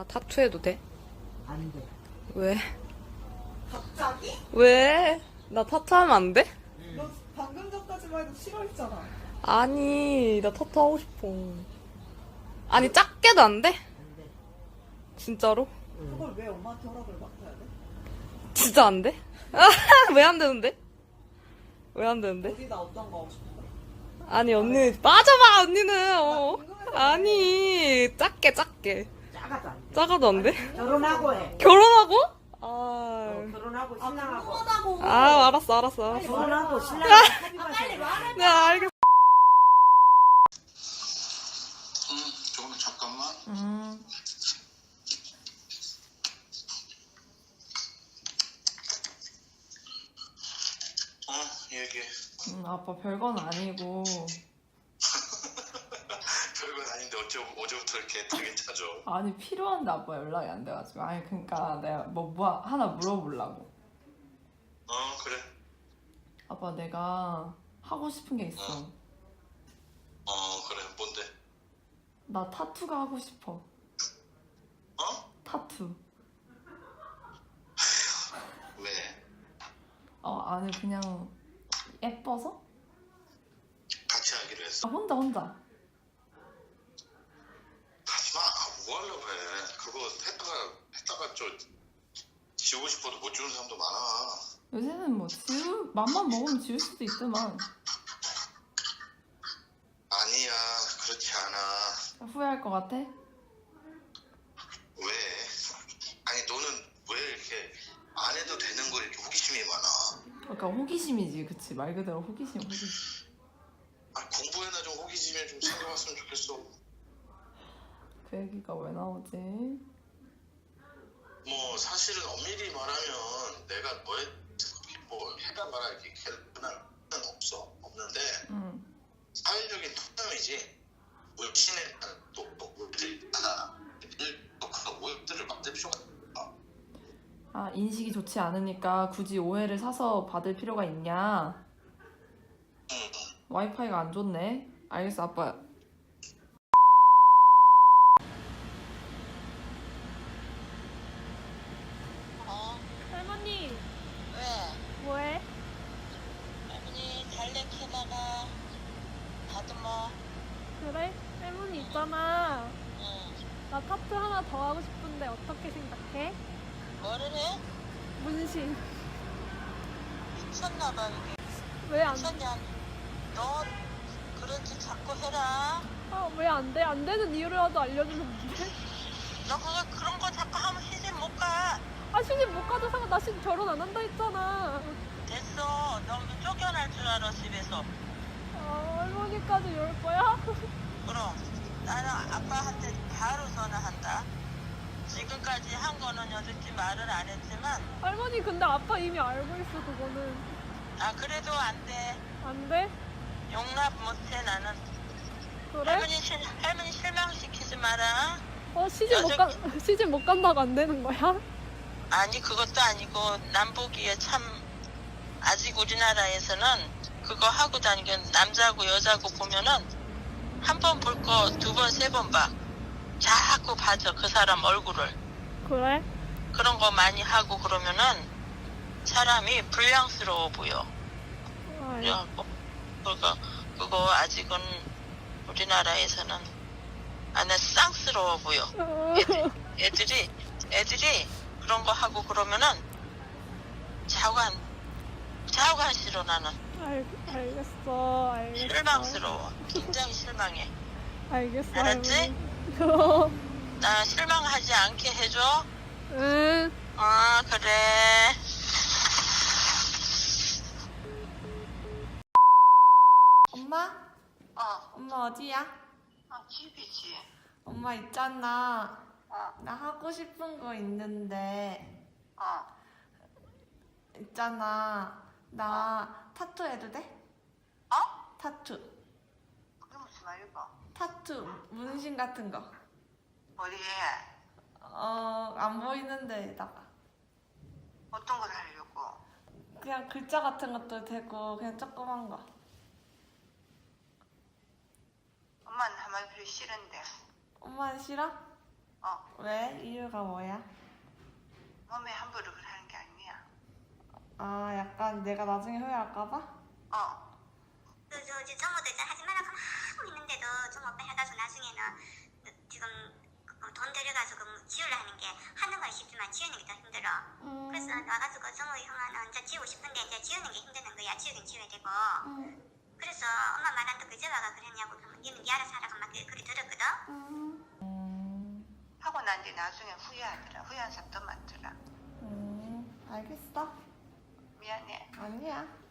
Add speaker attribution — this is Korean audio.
Speaker 1: 타투해도 돼?
Speaker 2: 안 돼.
Speaker 1: 왜?
Speaker 3: 갑자기?
Speaker 1: 왜? 나 타투하면 안 돼?
Speaker 3: 너 방금 전까지만 해도 싫어했잖아.
Speaker 1: 아니, 나 타투 하고 싶어. 아니, 작게도 안 돼?
Speaker 2: 안 돼.
Speaker 1: 진짜로?
Speaker 3: 그걸 왜 엄마한테 허락을 맡아야 돼?
Speaker 1: 진짜 안 돼? 왜 안 되는데? 왜 안 되는데?
Speaker 3: 어디다 어떤 거 하고 싶어?
Speaker 1: 아니, 언니, 빠져봐, 언니는.
Speaker 3: 나 궁금해서
Speaker 1: 아니, 작게.
Speaker 2: 작아도 안 돼.
Speaker 1: 작아도 안 돼?
Speaker 2: 결혼하고 해.
Speaker 1: 결혼하고?
Speaker 2: 결혼하고
Speaker 3: 아,
Speaker 2: 신랑하고.
Speaker 3: 궁금하다고.
Speaker 1: 알았어.
Speaker 2: 결혼하고 신랑하고 합의만
Speaker 3: 빨리 말해.
Speaker 1: 네, 알겠어.
Speaker 4: 잠깐만. 얘기해.
Speaker 1: 아빠 별건 아니고.
Speaker 4: 별건 아닌데 어제부터 이렇게 되게 짜져.
Speaker 1: 아니, 필요한데 아빠 연락이 안 돼가지고. 아니, 그니까 내가 뭐 하나 물어보려고.
Speaker 4: 그래.
Speaker 1: 아빠, 내가 하고 싶은 게 있어.
Speaker 4: 그래. 뭔데?
Speaker 1: 나 타투가 하고 싶어. 타투.
Speaker 4: 왜?
Speaker 1: 아니, 그냥 예뻐서?
Speaker 4: 같이 하기로 했어?
Speaker 1: 혼자.
Speaker 4: 하지마. 뭐 하려고 해. 그거 했다가 지우고 싶어도 못 지우는 사람도 많아.
Speaker 1: 요새는 뭐 맘만 먹으면 지울 수도 있지만
Speaker 4: 아니야. 그렇지 않아.
Speaker 1: 후회할 것 같아?
Speaker 4: 왜? 아니 너는 왜 이렇게 안 해도 되는 거 이렇게 호기심이 많아?
Speaker 1: 그러니까 호기심이지, 그치? 말 그대로 호기심.
Speaker 4: 공부에나 좀 호기심이 좀 생겨봤으면 좋겠어.
Speaker 1: 그 얘기가 왜 나오지?
Speaker 4: 뭐 사실은 엄밀히 말하면 내가 너의 뭐 해가 말아 이렇게 개런할 없는데 사회적인 토념이지. 물신에 또 오해들이 있잖아. 그 오해들을 만들 필요가 없어.
Speaker 1: 인식이 좋지 않으니까 굳이 오해를 사서 받을 필요가 있냐? 와이파이가 안 좋네. 알겠어, 아빠.
Speaker 5: 할머니,
Speaker 6: 왜?
Speaker 5: 뭐해?
Speaker 6: 할머니 달래 캐다가 다듬어.
Speaker 5: 그래? 할머니 있잖아.
Speaker 6: 응.
Speaker 5: 나 타투 하나 더 하고 싶은데 어떻게 생각해?
Speaker 6: 뭐를 해?
Speaker 5: 문신.
Speaker 6: 미쳤나봐 이게.
Speaker 5: 왜 안,
Speaker 6: 미쳤냐? 너 그런 짓 자꾸 해라.
Speaker 5: 왜 안 돼? 안 되는 이유라도 알려주면 안 돼?
Speaker 6: 너 그런 거 자꾸 하면 시집 못 가.
Speaker 5: 시집 못 가도 상관, 나 지금 결혼 안 한다 했잖아.
Speaker 6: 됐어. 너무 쫓겨날 줄 알아 집에서.
Speaker 5: 할머니까지 이럴 거야?
Speaker 6: 그럼 나는 아빠한테 바로 전화한다. 지금까지 한 거는 여듣지 말을 안 했지만
Speaker 5: 할머니, 근데 아빠 이미 알고 있어, 그거는.
Speaker 6: 그래도 안 돼.
Speaker 5: 안 돼?
Speaker 6: 용납 못해 나는.
Speaker 5: 그래?
Speaker 6: 할머니 실망시키지 마라.
Speaker 5: 시집 못 간다고 안 되는 거야?
Speaker 6: 아니 그것도 아니고 남보기에 참 아직 우리나라에서는 그거 하고 다니는 남자고 여자고 보면은 한 번 볼 거 두 번 세 번 봐. 자꾸 봐줘 그 사람 얼굴을.
Speaker 5: 그래?
Speaker 6: 그런 거 많이 하고 그러면은 사람이 불량스러워 보여. 그래갖고 그거 아직은 우리나라에서는 안에 쌍스러워 보여. 애들이 그런 거 하고 그러면은 자관 싫어 나는.
Speaker 5: 알겠어.
Speaker 6: 실망스러워. 굉장히 실망해.
Speaker 5: 알겠어.
Speaker 6: 알았지?
Speaker 5: 할머니.
Speaker 6: 나 실망하지 않게 해줘.
Speaker 5: 응.
Speaker 6: 그래.
Speaker 1: 엄마? 엄마 어디야?
Speaker 6: 집이지.
Speaker 1: 엄마 있잖아.
Speaker 6: 어.
Speaker 1: 나 하고 싶은 거 있는데. 있잖아. 나 타투 해도 돼? 타투.
Speaker 6: 그게 무슨 말이고?
Speaker 1: 타투. 문신 같은 거.
Speaker 6: 어디에?
Speaker 1: 안 보이는 데다가.
Speaker 6: 어떤 걸 하려고?
Speaker 1: 그냥 글자 같은 것도 되고, 그냥 조그만 거.
Speaker 6: 엄마는 하면 별로 싫은데.
Speaker 1: 엄마는 싫어? 왜? 이유가 뭐야?
Speaker 6: 몸에 함부로 하는 게 아니야.
Speaker 1: 아, 약간 내가 나중에 후회할까봐?
Speaker 7: 저 정모도 일단 하지 말라고 막 하고 있는데도 좀 오빠 해가지고 나중에는 지금 돈 들여가지고 지우려 하는 게 하는 건 쉽지만 지우는 게 더 힘들어. 그래서 와가지고 정모 형아는 이제 지우고 싶은데 이제 지우는 게 힘드는 거야. 지우긴 지워야 되고. 그래서 엄마 말 안 듣고 이제 와가 그랬냐고 그러면 니는 니 알아서 하라고 막 그리 들었거든.
Speaker 6: 하고 난 뒤 나중에 후회하더라. 후회한 사람 더 많더라.
Speaker 1: 알겠어.
Speaker 6: 미안해.
Speaker 1: 아니야.